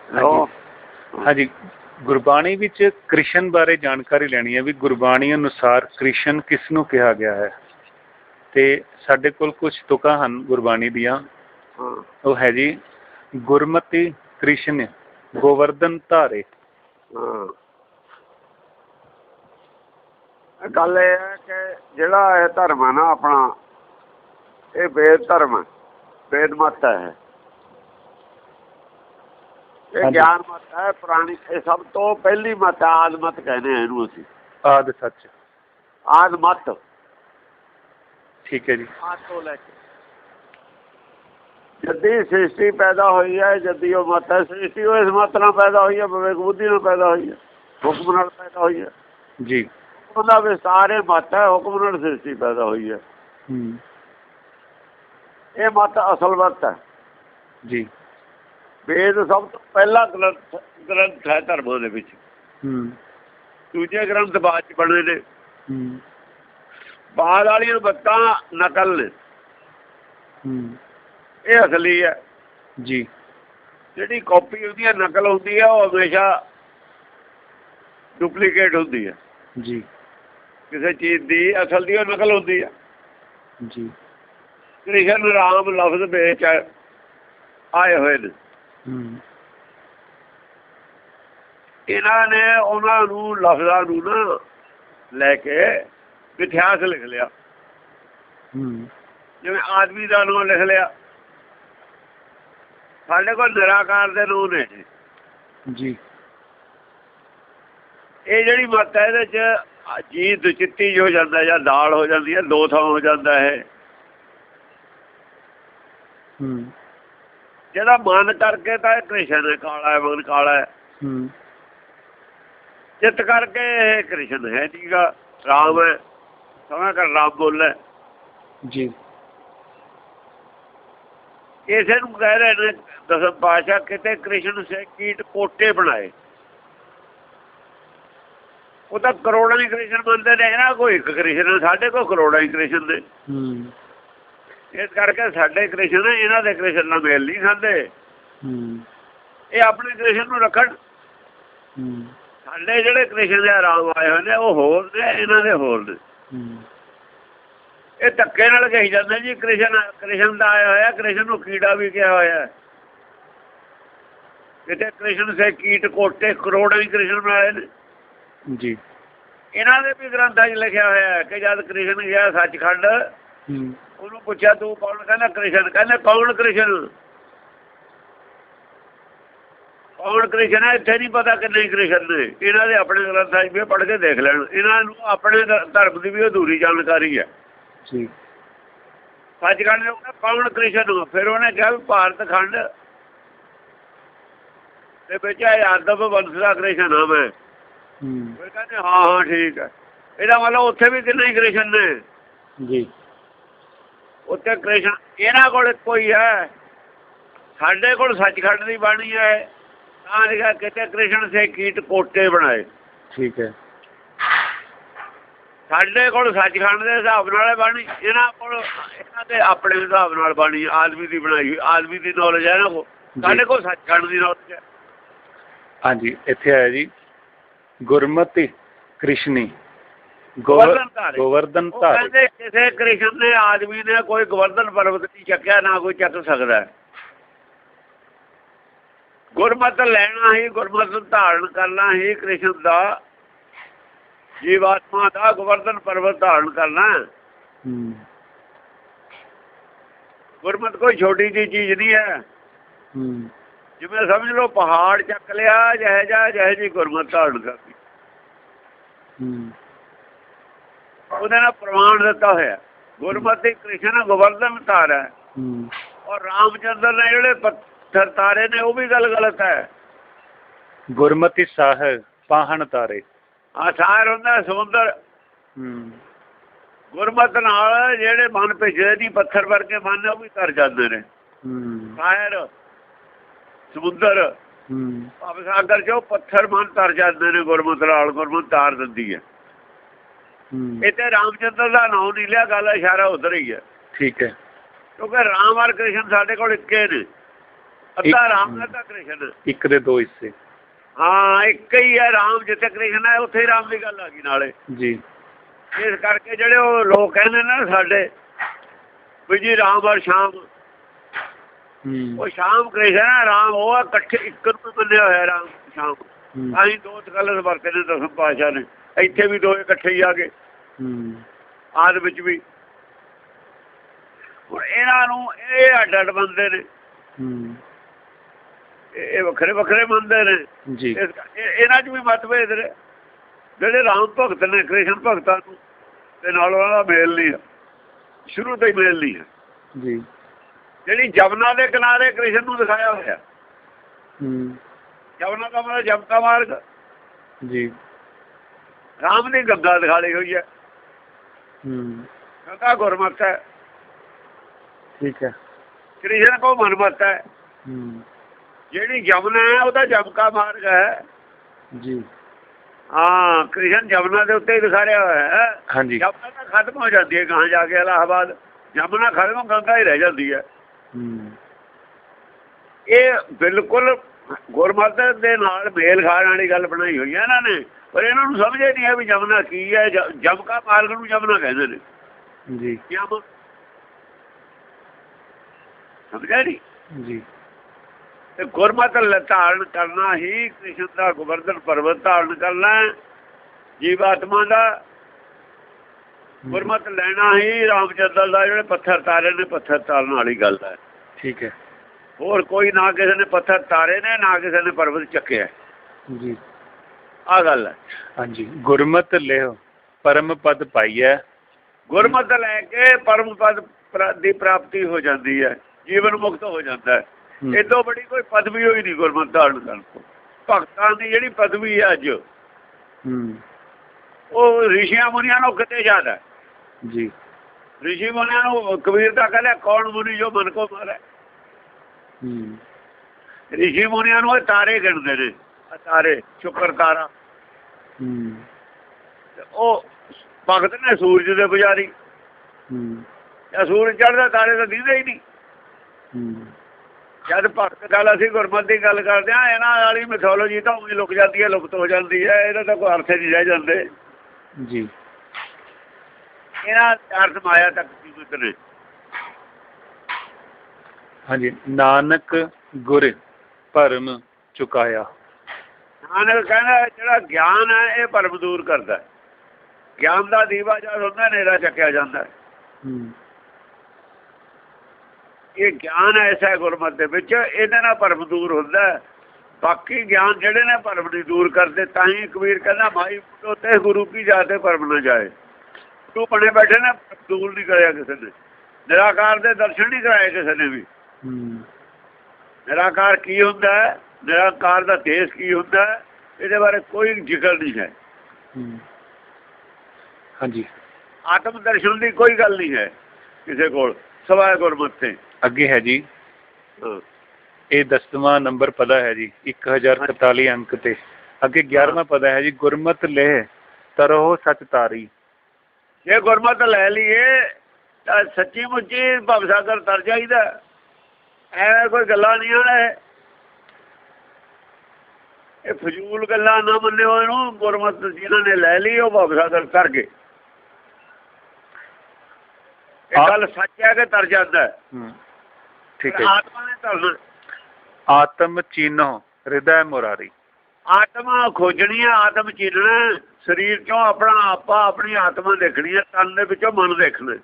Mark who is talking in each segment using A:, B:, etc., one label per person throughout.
A: ਹਾਂਜੀ, ਗੁਰਬਾਣੀ ਵਿੱਚ ਕ੍ਰਿਸ਼ਨ ਬਾਰੇ ਜਾਣਕਾਰੀ ਲੈਣੀ ਹੈ ਵੀ ਗੁਰਬਾਣੀ ਅਨੁਸਾਰ ਕ੍ਰਿਸ਼ਨ ਕਿਸ ਨੂੰ ਕਿਹਾ ਗਿਆ ਹੈ। ਤੇ ਸਾਡੇ ਕੋਲ ਕੁਝ ਤੁਕਾਂ ਹਨ ਗੁਰਬਾਣੀ ਦੀਆਂ। ਉਹ ਹੈ ਜੀ, ਗੁਰਮਤਿ ਕ੍ਰਿਸ਼ਨ ਗੋਵਰਧਨ ਧਾਰੇ।
B: ਗੱਲ ਇਹ ਹੈ ਕਿ ਜਿਹੜਾ ਇਹ ਧਰਮ ਹੈ ਨਾ ਆਪਣਾ, ਇਹ ਵੇਦ ਧਰਮ ਹੈ, ਵੇਦ ਮਤ ਹੈ, ਇਹ ਗਿਆਨ ਮਤ ਹੈ ਪੁਰਾਣੀ। ਇਹ ਸਭ ਤੋਂ ਪਹਿਲੀ ਮਤ ਹੈ, ਆਦ ਮਤ ਕਹਿੰਦੇ ਆ ਇਹਨੂੰ ਅਸੀਂ।
A: ਆਦ ਸੱਚ,
B: ਆਦ ਮਤ,
A: ਠੀਕ ਹੈ ਜੀ।
B: ਆਦ ਤੋਂ ਲੈ ਕੇ ਜੱਦੀ ਸ੍ਰਿਸ਼ਟੀ ਪੈਦਾ ਹੋਈ ਹੈ, ਜੱਦੀ ਉਹ ਮਤ ਹੈ। ਸ੍ਰਿਸ਼ਟੀ ਉਹ ਇਸ ਮਤ ਨਾਲ ਪੈਦਾ ਹੋਈ ਹੈ, ਵਿਵੇਕ ਬੁੱਧੀ ਨਾਲ ਪੈਦਾ ਹੋਈ ਹੈ, ਹੁਕਮ ਨਾਲ ਪੈਦਾ ਹੋਈ ਹੈ
A: ਜੀ।
B: ਉਹਦਾ ਵਿਸਤਾਰ ਇਹ ਮਤ ਹੈ, ਹੁਕਮ ਨਾਲ ਸ੍ਰਿਸ਼ਟੀ ਪੈਦਾ ਹੋਈ ਹੈ। ਇਹ ਮਤ ਅਸਲ ਮਤ ਹੈ
A: ਜੀ।
B: ਵੇਦ ਸਭ ਤੋਂ ਪਹਿਲਾ ਗ੍ਰੰਥ ਹੈ ਧਰਮਾਂ ਦੇ ਵਿੱਚ। ਦੂਜੇ ਗ੍ਰੰਥ ਬਾਅਦ ਚ ਬਣੇ ਨੇ। ਬਾਅਦ ਵਾਲੀਆਂ ਮੱਤਾਂ ਨਕਲ ਨੇ, ਇਹ ਅਸਲੀ ਹੈ
A: ਜੀ। ਜਿਹੜੀ
B: ਕਾਪੀ ਉਹਦੀ ਨਕਲ ਹੁੰਦੀ ਹੈ, ਉਹ ਹਮੇਸ਼ਾ ਡੁਪਲੀਕੇਟ ਹੁੰਦੀ ਹੈ
A: ਜੀ।
B: ਕਿਸੇ ਚੀਜ਼ ਦੀ ਅਸਲ ਦੀ ਉਹ ਨਕਲ ਹੁੰਦੀ ਹੈ
A: ਜੀ।
B: ਕ੍ਰਿਸ਼ਨ ਰਾਮ ਲਫ਼ਜ਼ ਵਿੱਚ ਆਏ ਹੋਏ ਨੇ। ਇਹਨਾਂ ਨੇ ਉਹਨਾਂ ਨੂੰ ਲਫ਼ਜ਼ਾਂ ਨੂੰ ਨਾ ਲੈ ਕੇ ਇਤਿਹਾਸ ਲਿਖ ਲਿਆ। ਜਿਵੇਂ ਆਦਮੀ ਦਾ ਨਾਂ ਲਿਖ ਲਿਆ, ਸਾਡੇ ਕੋਲ ਨਿਰਾਕਾਰ ਦੇ ਨਾਂ ਨੇ
A: ਜੀ।
B: ਇਹ ਜਿਹੜੀ ਮੱਤ ਹੈ ਇਹਦੇ ਚ ਜੀ ਦੁਚਿੱਤੀ ਹੋ ਜਾਂਦਾ ਜਾਂ ਦਾਲ ਹੋ ਜਾਂਦੀ ਹੈ, ਦੋ ਥਾਂ ਹੋ ਜਾਂਦਾ ਹੈ। ਜਿਹੜਾ ਮਨ ਕਰਕੇ ਤਾਂ ਇਹ ਕ੍ਰਿਸ਼ਨ ਹੈ, ਕਾਲਾ ਹੈ, ਮਨ ਕਾਲਾ ਹੈ। ਚਿੱਤ ਕਰਕੇ ਇਹ ਕ੍ਰਿਸ਼ਨ ਹੈ, ਠੀਕ ਆ, ਰਾਮ ਹੈ, ਸਮਾਂ ਕਰ ਰਾਮ ਬੋਲੇ
A: ਜੀ।
B: ਇਸੇ ਨੂੰ ਕਹਿ ਰਹੇ ਨੇ ਦਸਮ ਪਾਤਸ਼ਾਹ, ਕਿਤੇ ਕ੍ਰਿਸ਼ਨ ਸੇ ਕੀਟ ਕੋਟੇ ਬਣਾਏ। ਉਹ ਤਾਂ ਕਰੋੜਾਂ ਹੀ ਕ੍ਰਿਸ਼ਨ ਮੰਨਦੇ ਨੇ, ਇਹਨਾਂ ਕੋਈ ਇੱਕ ਕ੍ਰਿਸ਼ਨ, ਸਾਡੇ ਕੋਲ ਕਰੋੜਾਂ ਹੀ ਕ੍ਰਿਸ਼ਨ ਨੇ। ਇਸ ਕਰਕੇ ਸਾਡੇ ਕ੍ਰਿਸ਼ਨ ਇਹਨਾਂ ਦੇ ਕ੍ਰਿਸ਼ਨ ਨਾਲ ਮੇਲ ਨਹੀਂ ਖਾਂਦੇ। ਇਹ ਆਪਣੇ ਕ੍ਰਿਸ਼ਨ ਨੂੰ ਰੱਖਣ। ਸਾਡੇ ਜਿਹੜੇ ਕ੍ਰਿਸ਼ਨ ਦੇ ਆਰਾਮ ਆਏ ਹੋਏ ਨੇ ਉਹ ਹੋਰ ਨੇ, ਇਹਨਾਂ ਦੇ ਹੋਰ ਨੇ। ਇਹ ਧੱਕੇ ਨਾਲ ਕਹੀ ਜਾਂਦੇ ਜੀ ਕ੍ਰਿਸ਼ਨ ਦਾ ਆਇਆ ਹੋਇਆ, ਕ੍ਰਿਸ਼ਨ ਨੂੰ ਕੀੜਾ ਵੀ ਕਿਹਾ ਹੋਇਆ। ਕਿਤੇ ਕ੍ਰਿਸ਼ਨ ਸੇ ਕੀਟ ਕੋਟੇ, ਕਰੋੜਾਂ ਹੀ ਕ੍ਰਿਸ਼ਨ ਬਣਾਏ ਨੇ
A: ਜੀ।
B: ਇਹਨਾਂ ਦੇ ਵੀ ਗ੍ਰੰਥਾਂ 'ਚ ਲਿਖਿਆ ਹੋਇਆ ਕਿ ਜਦ ਕ੍ਰਿਸ਼ਨ ਗਿਆ ਸੱਚਖੰਡ, ਉਹਨੂੰ ਪੁੱਛਿਆ ਤੂੰ ਕੌਣ? ਕਹਿੰਦਾ ਕ੍ਰਿਸ਼ਨ। ਕਹਿੰਦੇ ਕੌਣ ਕ੍ਰਿਸ਼ਨ? ਕੌਣ ਕ੍ਰਿਸ਼ਨ ਹੈ? ਇੱਥੇ ਨਹੀਂ ਪਤਾ ਕਿੰਨੇ ਕ੍ਰਿਸ਼ਨ ਨੇ। ਇਹਨਾਂ ਦੇ ਆਪਣੇ ਗ੍ਰੰਥਾਂ 'ਚ ਵੀ ਪੜ੍ਹ ਕੇ ਦੇਖ ਲੈਣ। ਇਹਨਾਂ ਨੂੰ ਆਪਣੇ ਧਰਮ ਦੀ ਵੀ ਅਧੂਰੀ ਜਾਣਕਾਰੀ ਹੈ
A: ਜੀ।
B: ਸੱਚਖੰਡ ਨੇ ਕੌਣ ਕ੍ਰਿਸ਼ਨ? ਫਿਰ ਉਹਨੇ ਕਿਹਾ ਵੀ ਭਾਰਤ ਖੰਡ ਦੇ ਵਿੱਚ ਯਾਦਵ ਵੰਸ਼ ਦਾ ਕ੍ਰਿਸ਼ਨ ਆ ਮੈਂ। ਫਿਰ ਕਹਿੰਦੇ ਹਾਂ ਠੀਕ ਹੈ। ਇਹਦਾ ਮਤਲਬ ਉੱਥੇ ਵੀ ਕਿੰਨੇ ਕ੍ਰਿਸ਼ਨ ਨੇ
A: ਜੀ।
B: ਉੱਥੇ ਕ੍ਰਿਸ਼ਨ ਇਹਨਾਂ ਕੋਲ ਕੋਈ ਹੈ, ਸਾਡੇ ਕੋਲ ਸੱਚਖੰਡ ਦੀ ਬਾਣੀ ਹੈ। ਤਾਂ ਲਿਖਿਆ ਕਿਤੇ ਕ੍ਰਿਸ਼ਨ ਸੇ ਕੀਟ ਕੋਟੇ ਬਣਾਏ।
A: ਠੀਕ ਹੈ।
B: ਸਾਡੇ ਕੋਲ ਸੱਚਖੰਡ ਦੇ ਹਿਸਾਬ ਨਾਲ ਬਾਣੀ, ਇਹਨਾਂ ਕੋਲ ਇਹਨਾਂ ਦੇ ਆਪਣੇ ਹਿਸਾਬ ਨਾਲ ਬਾਣੀ ਆਦਮੀ ਦੀ ਬਣਾਈ, ਆਦਮੀ ਦੀ ਨੌਲੇਜ ਹੈ ਇਹਨਾਂ ਕੋਲ। ਸਾਡੇ ਕੋਲ ਸੱਚਖੰਡ ਦੀ ਨੌਲੇਜ ਹੈ।
A: ਹਾਂਜੀ, ਇੱਥੇ ਆਇਆ ਜੀ ਗੁਰਮਤਿ ਕ੍ਰਿਸ਼ਨੀ ਗੋਵਰਧਨ ਧਾਰੇ।
B: ਕਹਿੰਦੇ ਕਿਸੇ ਕ੍ਰਿਸ਼ਨ ਨੇ ਆਦਮੀ ਨੇ ਕੋਈ ਗੋਵਰਧਨ ਪਰਬਤ ਨਹੀਂ ਚੱਕਿਆ, ਨਾ ਕੋਈ ਚੱਕ ਸਕਦਾ। ਗੁਰਮਤਿ ਲੈਣਾ ਹੀ, ਗੁਰਮਤਿ ਧਾਰਨ ਕਰਨਾ ਹੀ ਕ੍ਰਿਸ਼ਨ ਦਾ, ਜੀਵਾਤਮਾ ਦਾ ਗੋਵਰਧਨ ਪਰਬਤ ਧਾਰਨ ਕਰਨਾ। ਗੁਰਮਤਿ ਕੋਈ ਛੋਟੀ ਜਿਹੀ ਚੀਜ਼ ਨਹੀਂ ਹੈ। ਜਿਵੇਂ ਸਮਝ ਲਓ ਪਹਾੜ ਚੱਕ ਲਿਆ, ਜਿਹੇ ਜੀ ਗੁਰਮਤਿ ਧਾਰਨ ਕਰਦੀ, ਉਹਦੇ ਨਾਲ ਪ੍ਰਮਾਣ ਦਿੱਤਾ ਹੋਇਆ। ਗੁਰਮਤਿ ਕ੍ਰਿਸ਼ਨ ਗੋਵਰਧਨ ਧਾਰ ਹੈ। ਔਰ ਰਾਮ ਚੰਦਰ ਨੇ ਜਿਹੜੇ ਪੱਥਰ ਤਾਰੇ ਨੇ ਉਹ ਵੀ ਗੱਲ ਗਲਤ ਹੈ।
A: ਗੁਰਮਤਿ ਸਾਹਿਬ ਪਾਹਣ ਤਾਰੇ।
B: ਸਾਰ ਹੁੰਦਾ ਸਮੁੰਦਰ। ਗੁਰਮਤਿ ਨਾਲ ਜਿਹੜੇ ਮਨ ਭਿੱਜਦੇ ਨਹੀਂ, ਪੱਥਰ ਵਰਗੇ ਮਨ, ਉਹ ਵੀ ਤਰ ਜਾਂਦੇ ਨੇ। ਸਾਰ ਸਮੁੰਦਰ ਭਾਵ ਸਾਗਰ ਚੋਂ ਪੱਥਰ ਮਨ ਤਰ ਜਾਂਦੇ ਨੇ ਗੁਰਮਤਿ ਨਾਲ। ਗੁਰਮਤਿ ਤਾਰ ਦਿੰਦੀ ਹੈ। ਇੱਥੇ ਰਾਮਚੰਦਰ ਦਾ ਨਾਮ ਨਹੀਂ ਲਿਆ, ਗੱਲ ਇਸ਼ਾਰਾ ਉਧਰ ਹੀ ਹੈ।
A: ਠੀਕ ਹੈ।
B: ਕਿਉਂਕਿ ਰਾਮ ਔਰ ਕ੍ਰਿਸ਼ਨ ਸਾਡੇ ਕੋਲ ਇੱਕੇ ਨੇ। ਅੱਧਾ ਰਾਮ ਅੱਧਾ ਕ੍ਰਿਸ਼ਨ।
A: ਇੱਕ ਦੇ ਦੋ ਹਿੱਸੇ।
B: ਹਾਂ ਇੱਕ ਹੀ ਹੈ ਰਾਮ, ਜਿੱਥੇ ਕ੍ਰਿਸ਼ਨ ਹੈ ਉੱਥੇ ਹੀ ਰਾਮ ਦੀ ਗੱਲ ਆ ਗਈ ਨਾਲੇ
A: ਜੀ।
B: ਇਸ ਕਰਕੇ ਜਿਹੜੇ ਉਹ ਲੋਕ ਕਹਿੰਦੇ ਨੇ ਸਾਡੇ ਵੀ ਜੀ ਰਾਮ ਔਰ ਸ਼ਾਮ, ਉਹ ਸ਼ਾਮ ਕ੍ਰਿਸ਼ਨ ਹੈ, ਰਾਮ ਉਹ ਆ, ਇਕੱਠੇ ਇੱਕ ਨੂੰ ਮੰਨਿਆ ਹੋਇਆ ਰਾਮ ਸ਼ਾਮ। ਅਸੀਂ ਦੋ ਗਲਤ ਵਰਤੇ ਨੇ ਦਸਮ ਪਾਤਸ਼ਾਹ ਨੇ, ਇੱਥੇ ਵੀ ਦੋ ਇਕੱਠੇ ਹੀ ਆ ਗਏ ਆਦ ਵਿੱਚ ਵੀ। ਹੁਣ ਇਹਨਾਂ ਨੂੰ ਇਹ ਅੱਡ ਅੱਡ ਮੰਨਦੇ ਨੇ, ਇਹ ਵੱਖਰੇ ਵੱਖਰੇ ਮੰਨਦੇ ਨੇ
A: ਜੀ।
B: ਇਹਨਾਂ 'ਚ ਵੀ ਮਤਭੇਦ ਨੇ। ਜਿਹੜੇ ਰਾਮ ਭਗਤ ਨੇ ਕ੍ਰਿਸ਼ਨ ਭਗਤਾਂ ਨੂੰ ਤੇ ਨਾਲ ਉਹਨਾਂ ਦਾ ਮੇਲ ਨਹੀਂ ਹੈ, ਸ਼ੁਰੂ ਤੋਂ ਹੀ ਮੇਲ ਨਹੀਂ ਹੈ
A: ਜੀ।
B: ਜਿਹੜੀ ਜਮਨਾ ਦੇ ਕਿਨਾਰੇ ਕ੍ਰਿਸ਼ਨ ਨੂੰ ਦਿਖਾਇਆ ਹੋਇਆ, ਜਮਨਾ ਦਾ ਮਤਲਬ ਜਮਕਾ ਮਾਰਗ
A: ਜੀ।
B: ਰਾਮ ਦੀ ਗੰਗਾ ਦਿਖਾ ਲਈ ਹੋਈ ਹੈ, ਗੰਗਾ ਗੁਰਮਤ ਹੈ,
A: ਠੀਕ ਹੈ।
B: ਕ੍ਰਿਸ਼ਨ ਕੋ ਮਨਮਤ ਹੈ। ਜਿਹੜੀ ਜਮਨਾ ਹੈ ਉਹਦਾ ਜਮਕਾ ਮਾਰਗ ਹੈ
A: ਜੀ।
B: ਹਾਂ ਕ੍ਰਿਸ਼ਨ ਜਮਨਾ ਦੇ ਉੱਤੇ ਹੀ ਦਿਖਾਇਆ ਹੋਇਆ ਹੈ।
A: ਹਾਂਜੀ।
B: ਜਮਨਾ ਤਾਂ ਖਤਮ ਹੋ ਜਾਂਦੀ ਹੈ ਗਾਂ ਜਾ ਕੇ ਇਲਾਹਾਬਾਦ, ਜਮਨਾ ਖਤਮ ਗੰਗਾ ਹੀ ਰਹਿ ਜਾਂਦੀ ਹੈ। ਇਹ ਬਿਲਕੁਲ ਗੁਰਮਤ ਦੇ ਨਾਲ ਮੇਲ ਖਾਣ ਵਾਲੀ ਗੱਲ ਬਣਾਈ ਹੋਈ ਹੈ ਇਹਨਾਂ ਨੇ, ਪਰ ਇਹਨਾਂ ਨੂੰ ਸਮਝ ਹੀ ਨਹੀਂ ਹੈ ਵੀ ਜਮਨਾ ਕੀ ਹੈ। ਜਮਕਾ ਮਾਰਗ ਨੂੰ ਜਮਨਾ ਕਹਿੰਦੇ ਨੇ
A: ਜੀ।
B: ਸਮਝਿਆ ਨਹੀਂ
A: ਜੀ।
B: ਤੇ ਗੁਰਮਤ ਧਾਰਨ ਕਰਨਾ ਹੀ ਕ੍ਰਿਸ਼ਨ ਦਾ ਗੋਵਰਧਨ ਪਰਬਤ ਧਾਰਨ ਕਰਨਾ, ਜੀਵਾਤਮਾ ਦਾ ਗੁਰਮਤ ਲੈਣਾ ਹੀ ਰਾਮਚੰਦਰ ਦਾ ਜਿਹੜੇ ਪੱਥਰ ਤਾਰੇ ਨੇ, ਪੱਥਰ ਤਾਰਨ ਵਾਲੀ ਗੱਲ ਹੈ।
A: ਠੀਕ ਹੈ।
B: ਹੋਰ ਕੋਈ ਨਾ ਕਿਸੇ ਨੇ ਪੱਥਰ ਤਾਰੇ ਨੇ, ਨਾ ਕਿਸੇ ਨੇ ਪਰਬਤ ਚੱਕਿਆ
A: ਜੀ।
B: ਆ ਗੱਲ ਹੈ।
A: ਹਾਂਜੀ। ਗੁਰਮਤ ਲਿਓ ਪਰਮ ਪਦ ਪਾਈਐ।
B: ਗੁਰਮਤ ਲੈ ਕੇ ਪਰਮ ਪਦ ਦੀ ਪ੍ਰਾਪਤੀ ਹੋ ਜਾਂਦੀ ਹੈ, ਜੀਵਨ ਮੁਕਤ ਹੋ ਜਾਂਦਾ ਹੈ। ਇਦੋਂ ਬੜੀ ਕੋਈ ਪਦਵੀ ਹੋਈ ਨਹੀਂ ਗੁਰਮਤ ਧਾਰਨ ਕਰਨ ਤੋਂ। ਭਗਤਾਂ ਦੀ ਜਿਹੜੀ ਪਦਵੀ ਹੈ ਅੱਜ, ਉਹ ਰਿਸ਼ੀਆਂ ਮੁਨੀਆਂ ਨੂੰ ਕਿਤੇ ਜ਼ਿਆਦਾ
A: ਜੀ।
B: ਰਿਸ਼ੀ ਮੁਨੀਆਂ ਨੂੰ ਕਬੀਰ ਦਾ ਕਹਿੰਦਾ ਕੌਣ ਮੁਨੀ ਜੋ ਮਨ ਕੋ ਮਾਰੇ। ਰਿਸ਼ੀ ਮੁਨੀਆਂ ਨੂੰ ਤਾਰੇ ਗਿਣਦੇ ਨੇ, ਤਾਰੇ ਸ਼ੁਕਰ ਤਾਰਾ। ਉਹ ਭਗਤ ਨੇ ਸੂਰਜ ਦੇ ਪੁਜਾਰੀ, ਸੂਰਜ ਚੜ੍ਹਦਾ ਤਾਰੇ ਤਾਂ ਦਿਖਦੇ ਹੀ ਨਹੀਂ। ਜਦ ਭਗਤ ਗੱਲ ਅਸੀਂ ਗੁਰਮਤ ਦੀ ਗੱਲ ਕਰਦੇ ਹਾਂ, ਇਹਨਾਂ ਵਾਲੀ ਮਿਥੋਲੋਜੀ ਤਾਂ ਉਵੇਂ ਲੁਕ ਜਾਂਦੀ ਹੈ, ਲੁਪਤ ਹੋ ਜਾਂਦੀ ਹੈ। ਇਹਦਾ ਤਾਂ ਕੋਈ ਅਰਥ ਨਹੀਂ ਰਹਿ ਜਾਂਦੇ
A: ਜੀ।
B: ਇਹਨਾਂ ਅਰਥ ਮਾਇਆ ਤੱਕ ਸੀਮਿਤ ਨੇ।
A: ਹਾਂਜੀ। ਨਾਨਕ ਗੁਰ ਭਰਮ ਚੁਕਾਇਆ।
B: ਨਾਨਕ ਕਹਿੰਦਾ ਜਿਹੜਾ ਗਿਆਨ ਹੈ ਇਹ ਭਰਮ ਦੂਰ ਕਰਦਾ। ਗਿਆਨ ਦਾ ਦੀਵਾ ਜਦ ਹੁੰਦਾ ਹਨੇਰਾ ਚੱਕਿਆ ਜਾਂਦਾ। ਇਹ ਗਿਆਨ ਐਸਾ ਹੈ ਗੁਰਮਤ ਦੇ ਵਿੱਚ, ਇਹਦੇ ਨਾਲ ਭਰਮ ਦੂਰ ਹੁੰਦਾ। ਬਾਕੀ ਗਿਆਨ ਜਿਹੜੇ ਨੇ ਭਰਮ ਨਹੀਂ ਦੂਰ ਕਰਦੇ। ਤਾਂ ਹੀ ਕਬੀਰ ਕਹਿੰਦਾ ਮਾਈ ਤੇ ਗੁਰੂ ਕੀ ਜਾਤੇ ਭਰਮ ਨਾ ਜਾਏ। ਤੂੰ ਬਣੇ ਬੈਠੇ ਨੇ, ਦੂਰ ਨਹੀਂ ਕਰਿਆ ਕਿਸੇ ਨੇ। ਨਿਰਾਕਾਰ ਦੇ ਦਰਸ਼ਨ ਨਹੀਂ ਕਰਾਏ ਕਿਸੇ ਨੇ ਵੀ। ਨਿਰਾਕਾਰ ਕੀ ਹੁੰਦਾ ਹੈ, ਨਿਰਾਕਾਰ ਦਾ ਦੇਸ਼ ਕੀ ਹੁੰਦਾ ਹੈ, ਇਹਦੇ ਬਾਰੇ ਕੋਈ ਜ਼ਿਕਰ ਨਹੀਂ ਹੈ।
A: ਹਾਂਜੀ।
B: ਆਤਮ ਦਰਸ਼ਨ ਦੀ ਕੋਈ ਗੱਲ ਨਹੀਂ ਹੈ ਕਿਸੇ ਕੋਲ, ਸਵਾਏ ਗੁਰਮਤ ਤੇ।
A: ਅੱਗੇ ਹੈ ਜੀ, ਇਹ 10ਵਾਂ ਨੰਬਰ ਪਦਾ ਹੈ ਜੀ, 1041 ਅੰਕ ਤੇ। ਅੱਗੇ 11ਵਾਂ ਪਦਾ ਹੈ ਜੀ, ਗੁਰਮਤ ਲੈ ਤਰੋ ਸਚ ਤਾਰੀ। ਜੇ ਗੁਰਮਤ ਲੈ ਲਈਏ ਤਾਂ ਸੱਚੀ ਮੁੱਚੀ ਭਵਸਾਗਰ ਤਰ ਜਾਈਦਾ। ਐਵੇਂ ਕੋਈ ਗੱਲਾਂ ਨਹੀਂ ਆਣੇ, ਇਹ ਫਜ਼ੂਲ ਗੱਲਾਂ ਨਾ ਮੰਨਿਓ ਇਹਨੂੰ। ਗੁਰਮਤ ਜਿਹਨਾਂ ਨੇ ਲੈ ਲਈ ਉਹ ਭਵਸਾਗਰ ਤਰ ਗਏ। ਇਹ ਗੱਲ ਸੱਚ ਹੈ ਕਿ ਤਰ ਜਾਂਦਾ। ਠੀਕ ਹੈ। ਆਤਮਾ ਨੇ ਤਰਨਾ। ਆਤਮ ਚੀਨੋ ਹਿਰਦੈ ਮੁਰਾਰੀ। ਆਤਮਾ ਖੋਜਣੀ ਹੈ, ਆਤਮ ਚੀਨਣਾ। ਸਰੀਰ ਚੋਂ ਆਪਣਾ ਆਪਾ, ਆਪਣੀ ਆਤਮਾ ਦੇਖਣੀ ਹੈ। ਤਨ ਦੇ ਵਿੱਚੋਂ ਮਨ ਦੇਖਣਾ।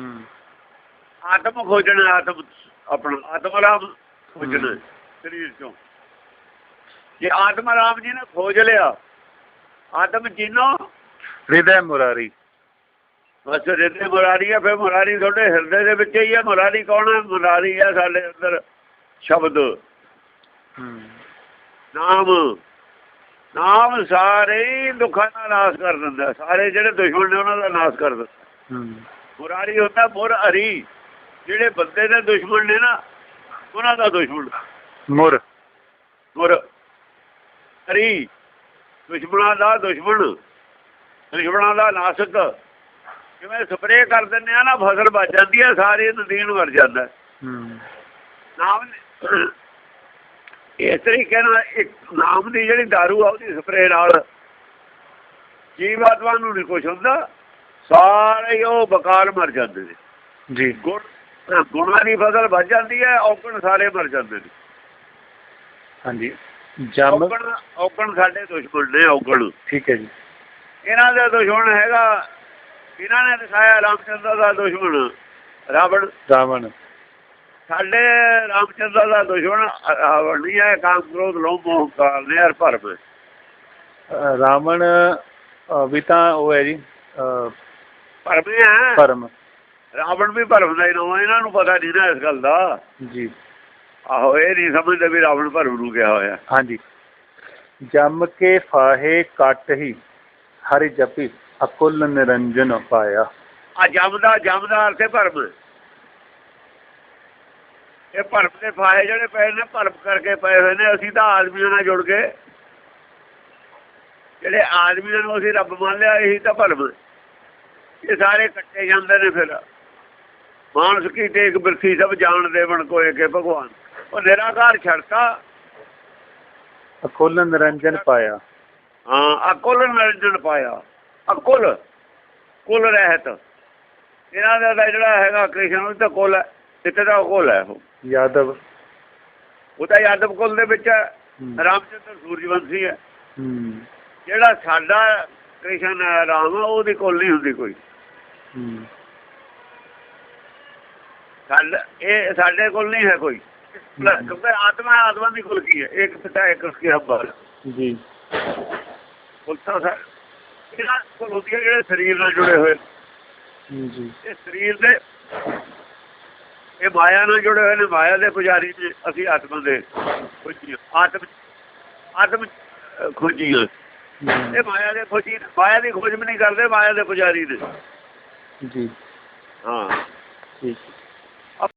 A: ਆਤਮ ਖੋਜਣਾ, ਆਤਮ ਆਪਣਾ ਆਤਮ ਰਾਮ ਖੋਜਣਾ ਸਰੀਰ ਚੋਂ। ਜੇ ਆਤਮ ਰਾਮ ਜੀ ਨੇ ਖੋਜ ਲਿਆ, ਆਤਮ ਚੀਨੋ ਹਿਰਦੈ ਮੁਰਾਰੀ। ਬਸ ਹਿਰਦੇ ਮੁਰਾਰੀ ਹੈ। ਫਿਰ ਮੁਰਾਰੀ ਤੁਹਾਡੇ ਹਿਰਦੇ ਦੇ ਵਿੱਚ ਹੀ ਹੈ। ਮੁਰਾਰੀ ਕੌਣ ਹੈ? ਮੁਰਾਰੀ ਹੈ ਸਾਡੇ ਅੰਦਰ ਸ਼ਬਦ ਨਾਮ। ਨਾਮ ਸਾਰੇ ਦੁੱਖਾਂ ਦਾ ਨਾਸ਼ ਕਰ ਦਿੰਦਾ। ਸਾਰੇ ਜਿਹੜੇ ਦੁਸ਼ਮਣ ਨੇ ਉਹਨਾਂ ਦਾ ਨਾਸ਼ ਕਰ ਦਿੰਦਾ। ਮੁਰਾਰੀ ਹੁੰਦਾ ਮੁਰ ਹਰੀ। ਜਿਹੜੇ ਬੰਦੇ ਦੇ ਦੁਸ਼ਮਣ ਨੇ ਨਾ, ਉਹਨਾਂ ਦਾ ਦੁਸ਼ਮਣ ਮੁਰ। ਮੁਰ ਹਰੀ ਦੁਸ਼ਮਣਾਂ ਦਾ ਦੁਸ਼ਮਣ, ਦੁਸ਼ਮਣਾਂ ਦਾ ਨਾਸ਼ਕ। ਜਿਵੇਂ ਸਪਰੇਅ ਕਰ ਦਿੰਦੇ ਆ ਨਾ, ਫਸਲ ਬਚ ਜਾਂਦੀ ਹੈ, ਸਾਰੀ ਨਦੀਨ ਮਰ ਜਾਂਦਾ। ਨਾਮ
B: ਇਸ ਤਰੀਕੇ ਨਾਲ ਇੱਕ ਨਾਮ ਦੀ ਜਿਹੜੀ ਦਾਰੂ ਆ ਉਹਦੀ ਸਪਰੇ ਨਾਲ ਜੀਵਾਤਮਾ ਨੂੰ ਨਹੀਂ ਕੁਛ ਹੁੰਦਾ, ਸਾਰੇ ਉਹ ਬਕਾਲ ਮਰ ਜਾਂਦੇ ਨੇ
A: ਜੀ।
B: ਗੁਣਾਂ ਦੀ ਫਸਲ ਵੱਜ ਜਾਂਦੀ ਹੈ, ਔਗਣ ਸਾਰੇ ਮਰ ਜਾਂਦੇ ਨੇ।
A: ਹਾਂਜੀ।
B: ਔਗਣ ਸਾਡੇ ਦੁਸ਼ਮਣ ਨੇ, ਔਗਣ।
A: ਠੀਕ ਹੈ ਜੀ।
B: ਇਹਨਾਂ ਦਾ ਦੁਸ਼ਮਣ ਹੈਗਾ, ਇਹਨਾਂ ਨੇ ਦਿਖਾਇਆ ਰਾਮਚੰਦਰ ਦਾ ਦੁਸ਼ਮਣ ਰਾਵਣ। ਸਾਡੇ ਰਾਮਚੰਦਰ ਦਾ ਦੁਸ਼ਮਣ ਰਾਵਣ ਨਹੀਂ ਹੈ, ਕਾਮ ਕ੍ਰੋਧ ਲੋਭ ਮੋਹ ਕਾਲ ਨੇ, ਹਰ ਭਰਮ।
A: ਰਾਵਣ ਵੀ ਤਾਂ ਉਹ ਹੈ ਜੀ
B: ਭਰਮ ਹੈ,
A: ਭਰਮ।
B: ਰਾਵਣ ਵੀ ਭਰਮ ਦਾ ਹੀ ਨਾਮ, ਇਹਨਾਂ ਨੂੰ ਪਤਾ ਨਹੀਂ ਨਾ ਇਸ ਗੱਲ ਦਾ
A: ਜੀ।
B: ਆਹੋ, ਇਹ ਨਹੀਂ ਸਮਝਦੇ ਵੀ ਰਾਵਣ ਭਰਮ ਨੂੰ ਕਿਹਾ ਹੋਇਆ।
A: ਹਾਂਜੀ। ਜੰਮ ਕੇ ਫਾਹੇ ਕੱਟ ਹੀ ਹਰਿ ਜਪੀ ਅਕੁਲ ਨਿਰੰਜਨ ਪਾਇਆ।
B: ਆ ਜਮਦਾ ਅਰਥ ਹੈ ਭਰਮ। ਇਹ ਭਰਮ ਦੇ ਫਾਹੇ ਜਿਹੜੇ ਪਏ ਨੇ, ਭਰਮ ਕਰਕੇ ਪਏ ਹੋਏ ਨੇ। ਅਸੀਂ ਤਾਂ ਆਦਮੀਆਂ ਨਾਲ ਜੁੜ ਗਏ, ਜਿਹੜੇ ਆਦਮੀਆਂ ਨੂੰ ਅਸੀਂ ਰੱਬ ਮੰਨ ਲਿਆ, ਇਹੀ ਤਾਂ ਭਰਮ। ਇਹ ਸਾਰੇ ਕੱਟੇ ਜਾਂਦੇ ਨੇ। ਫਿਰ ਮਾਨਸ ਕੀ ਟੇਕ ਬਿਰਥੀ ਸਭ ਜਾਣ ਦੇਵਣ ਕੋਏ ਕੇ ਭਗਵਾਨ। ਉਹ ਨਿਰਾਕਾਰ ਛੱਡਤਾ,
A: ਅਕੁਲ ਨਿਰੰਜਨ ਪਾਇਆ।
B: ਹਾਂ, ਅਕੁਲ ਨਿਰੰਜਨ ਪਾਇਆ। ਅਕੁਲ ਕੁਲ ਰਹਿਤ ਇਹਨਾਂ ਦਾ ਜਿਹੜਾ ਹੈਗਾ ਕ੍ਰਿਸ਼ਨ, ਉਹ ਤਾਂ ਕੁਲ ਹੈ, ਇੱਥੇ ਦਾ ਕੁਲ ਹੈ। ਉਹ
A: ਯਾਦਵ,
B: ਉਹ ਤਾਂ ਯਾਦਵ ਕੁਲ ਦੇ ਵਿੱਚ ਹੈ। ਰਾਮਚੰਦਰ ਸੂਰਜਵੰਸ਼ੀ ਹੈ। ਜਿਹੜਾ ਸਾਡਾ ਕ੍ਰਿਸ਼ਨ ਰਾਮ ਆ, ਉਹਦੀ ਕੁਲ ਨਹੀਂ ਹੁੰਦੀ ਕੋਈ। ਇਹ ਸਾਡੇ ਕੋਲ ਨਹੀਂ ਹੈ ਕੋਈ, ਕਿਉਂਕਿ ਆਤਮਾ ਦੀ ਕੁਲ ਕੀ ਹੈ? ਇੱਕ ਪਿਤਾ ਇੱਕ ਉਸਕੇ ਹੰਬਰ ਜੀ। ਕੁਲ ਤਾਂ ਇਹਨਾਂ ਕੋਲ ਹੁੰਦੀ ਹੈ ਜਿਹੜੇ ਸਰੀਰ ਨਾਲ ਜੁੜੇ ਹੋਏ ਜੀ। ਇਹ ਸਰੀਰ ਦੇ, ਇਹ ਮਾਇਆ ਨਾਲ ਜੁੜੇ ਹੋਏ ਨੇ, ਮਾਇਆ ਦੇ ਪੁਜਾਰੀ ਨੇ। ਅਸੀਂ ਆਤਮਾ ਦੇ ਖੋਜੀ, ਆਤਮ ਖੋਜੀ। ਇਹ ਮਾਇਆ ਦੇ ਖੋਜੀ, ਮਾਇਆ ਦੀ ਖੋਜ ਵੀ ਨਹੀਂ ਕਰਦੇ, ਮਾਇਆ ਦੇ ਪੁਜਾਰੀ ਨੇ ਜੀ। ਹਾਂ, ਠੀਕ।